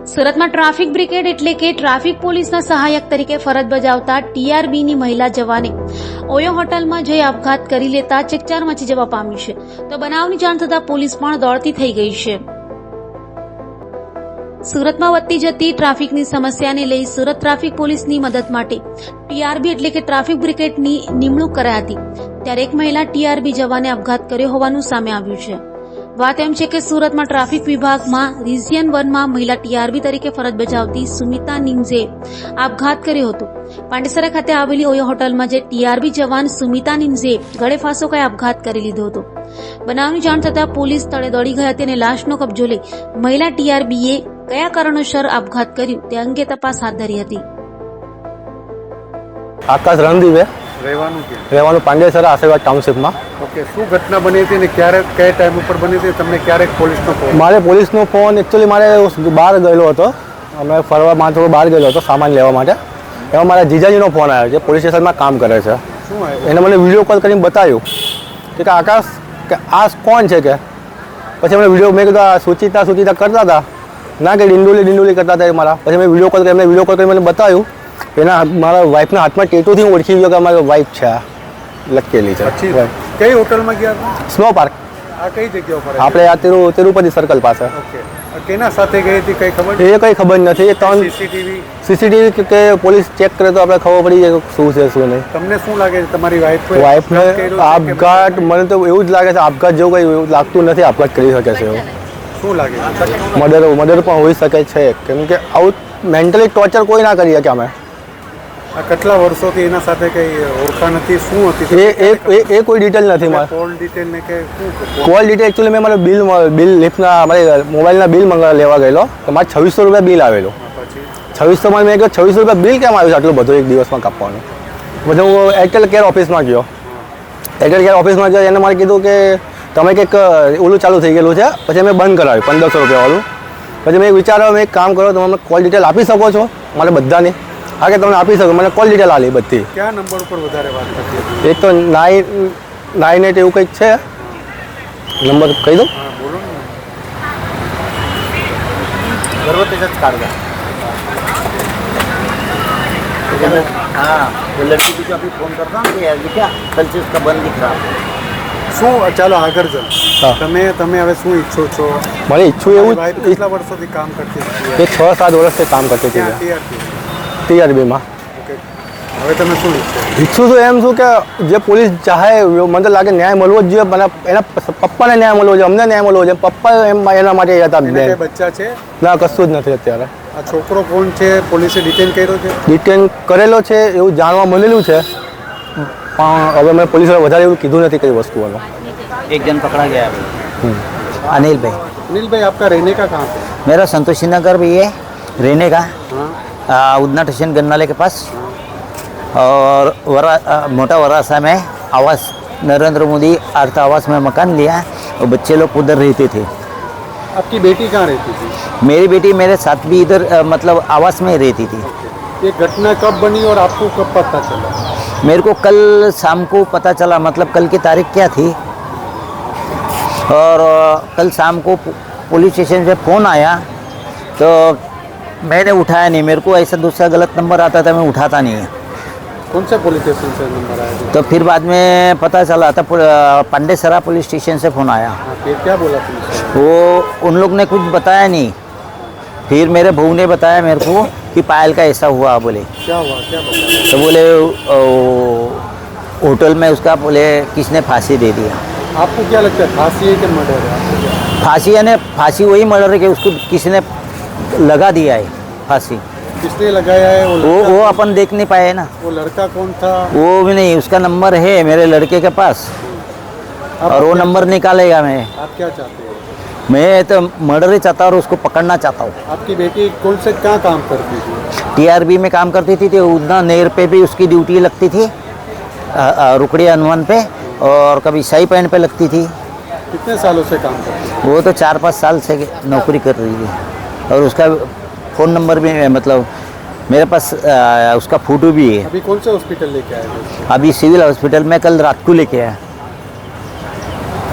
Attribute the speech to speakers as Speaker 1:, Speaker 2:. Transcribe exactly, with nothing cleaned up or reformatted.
Speaker 1: સુરતમાં traffic brigade એટલે કે ટ્રાફિક પોલીસના સહાયક તરીકે ફરજ બજાવતા ટીઆરબીની મહિલા જવાને ઓયો હોટલમાં જઈ આપઘાત કરી લેતા ચકચાર મચી જવા પામ્યું છે. તો બનાવની જાણ થતા પોલીસ પણ દોડતી થઈ ગઈ છે. સુરતમાં વધતી જતી ટ્રાફિકની સમસ્યાને લઈ સુરત ટ્રાફિક પોલીસની મદદ માટે ટીઆરબી એટલે કે ટ્રાફિક બ્રિગેડની નિમણૂક કરાઈ હતી. ત્યારે એક મહિલા ટીઆરબી જવાને આપઘાત કર્યો હોવાનું સામે આવ્યું છે. વાત એમ છે કે સુરતમાં ટ્રાફિક વિભાગમાં રિજિયન વનમાં મહિલા ટીઆરબી તરીકે ફરજ બજાવતી સુમિતા નિંજે આપઘાત કર્યો હતો. પાંડેસરા ખાતે આવેલી ઓયો હોટલમાં જે ટીઆરબી જવાન સુમિતા નિંજે ગળે ફાંસો ખાઈ આપઘાત કરી લીધો હતો. બનાવની જાણ થતાં પોલીસ સ્થળે દોડી ગઈ હતી અને લાશનો કબજો લઈ મહિલા ટીઆરબીએ કયા કારણોસર આપઘાત કર્યું તે અંગે તપાસ હાથ ધરી હતી.
Speaker 2: આકાશ રણદીવે
Speaker 3: રહેવાનું કે
Speaker 2: રહેવાનું પાંડેસરા આશીર્વાદ ટાઉનશીપમાં.
Speaker 3: ઓકે, શું ઘટના બની હતી ને ક્યારે કયા ટાઈમ ઉપર બની હતી? તમને ક્યારેક પોલીસનો ફોન?
Speaker 2: મારે પોલીસનો ફોન એકચ્યુઅલી મારે બહાર ગયેલો હતો, અમે ફરવા માં થોડો બહાર ગયેલો હતો સામાન લેવા માટે. એમાં મારા જીજાજીનો ફોન આવ્યો જે પોલીસ સ્ટેશનમાં કામ કરે છે.
Speaker 3: શું આવ્યું?
Speaker 2: એને મને વિડીયો કોલ કરીને બતાવ્યું કે આકાશ કે આ કોણ છે કે. પછી અમે વિડીયો મેં કીધું આ સુચિતા સુચિતા કરતા હતા ના કે ડિંડોલી ડિંડોલી કરતા હતા મારા. પછી મેં વિડીયો કોલ કરી એમને વિડીયો કોલ કરી મને બતાવ્યું. એના મારા વાઈફના હાથમાં ટેટુથી હું ઓળખી ગયો કે અમારી વાઈફ છે આ લખેલી છે.
Speaker 3: કઈ હોટલમાં ગયા હતા?
Speaker 2: Snow park.
Speaker 3: આ કઈ જગ્યા ઉપર?
Speaker 2: આપણે આ તિરુ તિરુપતિ સર્કલ પાસે.
Speaker 3: ઓકે, કેના સાથે ગઈ હતી કઈ ખબર?
Speaker 2: એ કઈ ખબર નથી. એ ત્રણ
Speaker 3: સીસીટીવી
Speaker 2: સીસીટીવી કે પોલીસ ચેક કરે તો આપણે ખબર પડી જાય શું છે શું નહીં.
Speaker 3: તમને શું લાગે છે તમારી વાઈફ
Speaker 2: વાઈફને આપઘાત? મને તો એવું જ લાગે છે આપઘાત જેવું કઈ એવું લાગતું નથી. આપઘાત કરી શકે છે એવું.
Speaker 3: શું લાગે?
Speaker 2: મર્ડર મર્ડર પણ હોઈ શકે છે કેમ કે આવું મેન્ટલી ટોર્ચર કોઈ ના કરી શકે. અમે
Speaker 3: આ કેટલા વર્ષોથી એના સાથે કઈ ઓળખાણ હતી? શું હતી
Speaker 2: એ એ એ કોઈ ડિટેલ નથી મારે.
Speaker 3: કોલ ડિટેલ ને કે શું?
Speaker 2: કોલ ડિટેલ એકચ્યુઅલી મેં મારે બિલ બિલ લિફ્ટના મારે મોબાઈલના બિલ મંગાવવા લેવા ગયેલો તો મારે છવ્વીસો રૂપિયા બિલ આવેલું.
Speaker 3: પછી
Speaker 2: છવ્વીસોમાં મેં કહ્યું છવ્વીસો રૂપિયા બિલ કેમ આવ્યું છે આટલું બધું એક દિવસમાં કાપવાનું? પછી હું એરટેલ કેર ઓફિસમાં ગયો. એરટેલ કેર ઓફિસમાં ગયો એને મારે કીધું કે તમે કંઈક ઓલું ચાલુ થઈ ગયેલું છે. પછી મેં બંધ કરાવ્યું પંદરસો રૂપિયાવાળું. પછી મેં વિચાર્યો મેં એક કામ કરો તમે મને કોલ ડિટેલ આપી શકો છો મારે બધાની? હા કે તમને આપી શકો. મને કોલ ડિટેલ આલી બધી.
Speaker 3: કયા નંબર ઉપર વધારે વાત કરતી હતી?
Speaker 2: એક તો નાઇન નાઇન એટ એવું કંઈક છે નંબર કહી દઉં.
Speaker 3: હા બોલો ને. गर्भवती सच काट गया।
Speaker 4: हाँ वो लड़की को जो अभी फोन करता हूँ कि यार क्या कल से उसका बंद दिख रहा।
Speaker 3: શું ચાલો આગળ ચાલ.
Speaker 2: હા.
Speaker 3: તમે તમે હવે શું ઈચ્છો છો?
Speaker 2: મારે ઈચ્છું એવું
Speaker 3: વાઈફ કેટલા વર્ષોથી કામ કરતી હતી?
Speaker 2: એ છ સાત વર્ષથી કામ કરતી હતી
Speaker 3: ક્યાં ટીઆરપી?
Speaker 2: ટીઆરબીમાં.
Speaker 3: ઓકે, હવે તમે શું ઈચ્છો?
Speaker 2: ઈચ્છું તો એમ છું કે જે પોલીસ ચાહે મને તો લાગે ન્યાય મળવો જ જોઈએ. મને એના પપ્પાને ન્યાય મળવો જોઈએ, અમને ન્યાય મળવો જોઈએ. પપ્પા એમ એના માટે હતા.
Speaker 3: એને કઈ બચ્ચા છે?
Speaker 2: ના કશું જ નથી અત્યારે.
Speaker 3: આ છોકરો કોણ છે? પોલીસે ડિટેન કર્યો છે?
Speaker 2: ડિટેન કરેલો છે એવું જાણવા મળેલું છે પણ હવે મેં પોલીસે વધારે એવું કીધું નથી કઈ વસ્તુઓનું.
Speaker 4: एक जन पकड़ा गया है अनिल भाई।
Speaker 3: अनिल भाई आपका रहने का कहाँ पे?
Speaker 4: मेरा संतोषी नगर भी है रहने का।
Speaker 3: हाँ.
Speaker 4: आ, उदना स्टेशन गन्नाले के पास। और वरा आ, मोटा वरासा में आवास नरेंद्र मोदी अर्थ आवास में मकान लिया और बच्चे लोग उधर रहते थे।
Speaker 3: आपकी बेटी कहाँ रहती थी?
Speaker 4: मेरी बेटी मेरे साथ भी इधर आ, मतलब आवास में रहती थी।
Speaker 3: ये घटना कब बनी और आपको कब पता चला?
Speaker 4: मेरे को कल शाम को पता चला, मतलब कल की तारीख क्या थी। और कल शाम को पुलिस स्टेशन से फ़ोन आया तो मैंने उठाया नहीं। मेरे को ऐसा दूसरा गलत नंबर आता था, मैं उठाता नहीं है।
Speaker 3: कौन से पुलिस स्टेशन से नंबर आया?
Speaker 4: तो फिर बाद में पता चला था पांडेसरा पुलिस स्टेशन से फ़ोन आया।
Speaker 3: हाँ, फिर क्या बोला पुलिस?
Speaker 4: वो उन लोग ने कुछ बताया नहीं। फिर मेरे बहू ने बताया मेरे को कि पायल का ऐसा हुआ। बोले
Speaker 3: क्या हुआ? क्या बताया?
Speaker 4: तो बोले होटल में उसका बोले किसने फांसी दे दिया।
Speaker 3: आपको क्या लगता है फांसी है कि मर्डर है? आपको क्या?
Speaker 4: फांसी है ना, फांसी वही मर्डर है कि उसको किसी ने लगा दिया है फांसी।
Speaker 3: किसने लगाया है? वो
Speaker 4: वो
Speaker 3: लड़का,
Speaker 4: वो अपन देख नहीं पाए ना।
Speaker 3: वो लड़का कौन था?
Speaker 4: वो भी नहीं, उसका नंबर है मेरे लड़के के पास
Speaker 3: आप
Speaker 4: और वो
Speaker 3: क्या-
Speaker 4: नंबर निकालेगा। मैं
Speaker 3: आप क्या चाहते हो?
Speaker 4: मैं तो मर्डर ही चाहता हूँ और उसको पकड़ना चाहता हूँ।
Speaker 3: आपकी बेटी कौन से कहाँ काम करती थी?
Speaker 4: टीआरबी में काम करती थी तो उतना नेर पे भी उसकी ड्यूटी लगती थी, रुकड़ी हनुमान पे, और कभी शाही पैंट पे लगती थी।
Speaker 3: कितने सालों से काम करती थी?
Speaker 4: वो तो चार पाँच साल से नौकरी कर रही है और उसका फ़ोन नंबर भी मतलब मेरे पास आ, उसका फ़ोटो भी है।
Speaker 3: अभी कौन से हॉस्पिटल लेके आए थे?
Speaker 4: अभी सिविल हॉस्पिटल में कल रात को लेके आया।